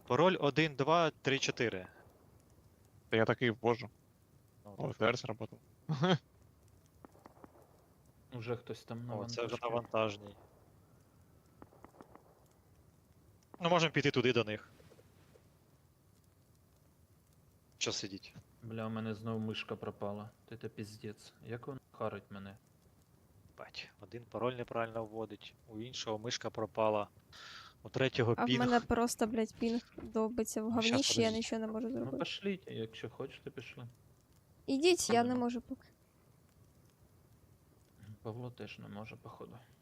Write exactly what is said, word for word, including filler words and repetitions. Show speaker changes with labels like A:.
A: Пароль один, два, три, чотири.
B: Та я такий ввожу.
A: Ну,
B: О, ФР сработав.
C: Уже хтось там на
A: О, це вже
C: вантажці.
A: на вантажній. Ну, можемо піти туди до них. Що сидіть?
C: Бля, у мене знову мишка пропала. Та це піздець. Як воно харить мене?
A: Бать, один пароль неправильно вводить, у іншого мишка пропала, у третього
D: А в
A: пінг.
D: мене просто, блядь, пінг довбиться в
A: Щас,
D: говніщі, я
A: подождіть.
D: нічого не можу
C: Ну
D: зробити.
C: пошліть, якщо хочете, пішли.
D: Ідіть, я не можу поки.
C: Павло теж не може, походу.